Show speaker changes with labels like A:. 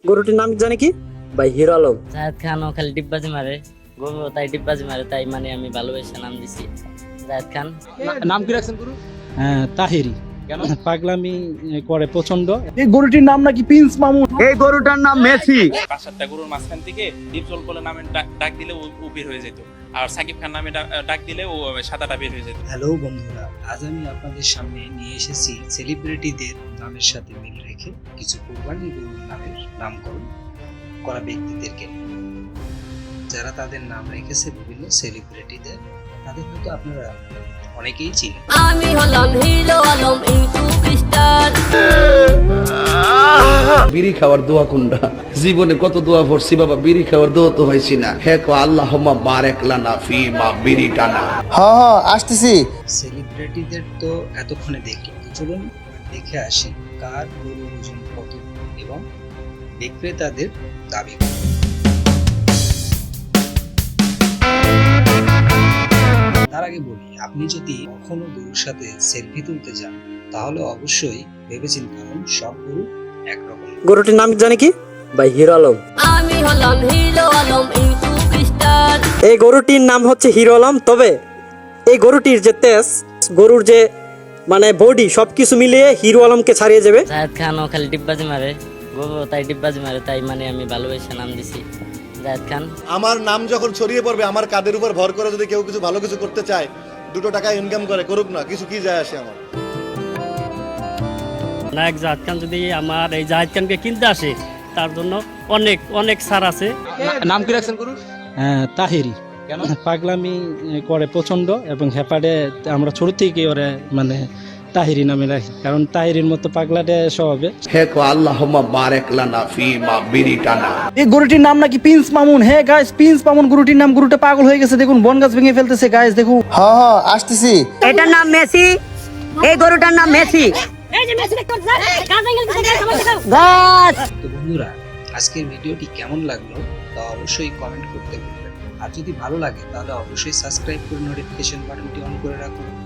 A: গরুটির নাম জানি কি? ভাই হিরো আলম।
B: জাহেদ খান ও খালি ডিব্বাজি মারে, গরু তাই ডিব্বাজি মারে, তাই মানে আমি ভালোবেসে নাম দিছি জাহেদ খান।
C: নাম কি রাখছেন গুরু?
D: তাহিরি।
C: কেন?
D: পাগলামি করে প্রচন্ড।
E: এই গরুটির নাম নাকি প্রিন্স মামুন।
A: এই গরুটার নাম মেসি।
C: 5-7টা গরুর মাঝখান থেকে ডিপজল বলে নামে ডাক দিলে ও বের হয়ে যেত, আর সাকিব খান নামে ডাক দিলে ও সাদাটা বের হয়ে যেত।
F: হ্যালো বন্ধুরা, আজ আমি আপনাদের সামনে নিয়ে এসেছি সেলিব্রিটিদের নামের সাথে মিল রেখে কিছু কোরবানি গরুর নামের নামকরণ করা ব্যক্তিদেরকে, যারা তাদের নাম রেখেছে বিভিন্ন সেলিব্রিটিদের। তাদের হয়তো আপনারা অনেকেই চিনেন।
B: আমি হলাম হিরো আলম ইউটিউব স্টার।
G: বিড়ি খাওয়ার দোয়া কোনটা? জীবনে কত দোয়া পড়ছি বাবা, বিড়ি খাওয়ার দোয়া তো হয়েছি না। হে কো আল্লাহুম্মা বারিক লানা ফি মা বিড়ি টানা।
E: হ্যাঁ আসতেছি।
F: সেলিব্রিটিদের তো এতক্ষণে দেখলাম, তো চলুন দেখে আসি কার গরুর ওজন কত এবং বিক্রেতাদের দাবি কত। তার আগে বলি, আপনি যদি কখনো গরুর সাথে সেলফি তুলতে যান তাহলে অবশ্যই ভেবেচিন্তে, কারণ সব গরু একরকম।
A: গরুটির নাম জানি কি? ভাই হিরো আলম।
B: আমি হলাম হিরো আলম ইউটিউব স্টার।
A: এই গরুটির নাম হচ্ছে হিরো আলম। তবে এই গরুটির যে তেজ, গরুর যে মানে বডি, সবকিছু মিলিয়ে হিরো আলমকে ছাড়িয়ে যাবে।
B: জাহেদ খান ও খালি ডিব্বাজি মারে, গরু তাই ডিব্বাজি মারে, তাই মানে আমি ভালোবেসে নাম দিছি জাহেদ খান।
H: আমার নাম যখন ছড়িয়ে পড়বে, আমার কাঁধের উপর ভর করে যদি কেউ কিছু ভালো কিছু করতে চায়, 2 টাকা ইনকাম করে, করুক না, কিছু কি যায় আসে আমার।
I: নায়ক জাহেদ খান যদি আমার এই জাহেদ খানকে কিনতে আসে, তার জন্য অনেক অনেক ছাড় আছে।
C: নাম কি রাখছেন গুরু?
D: তাহিরি।
C: কেন?
D: পাগলামি করে প্রচন্ড এবং হেপাডে আমরা ছোট থেকে ওরে মানে তাহিরি নামে রাখি, কারণ তাহিরির মতো পাগলাটে স্বভাবে।
G: হে কো আল্লাহুম্মা বারিক লানা ফি মা বিড়ি টানা।
E: এই গরুটির নাম নাকি প্রিন্স মামুন। হ্যাঁ গাইস, প্রিন্স মামুন গরুটির নাম। গরুটা পাগল হয়ে গেছে, দেখুন বন গাছ ভেঙে ফেলতেছে গাইস, দেখুন। হ্যাঁ আসতেছি।
J: এটার নাম মেসি, এই গরুটার নাম মেসি।
F: তো বন্ধুরা, আজকের ভিডিওটি কেমন লাগলো তা অবশ্যই কমেন্ট করতে ভুলবেন না। আর যদি ভালো লাগে তাহলে অবশ্যই সাবস্ক্রাইব করে নোটিফিকেশন বাটনটি অন করে রাখুন।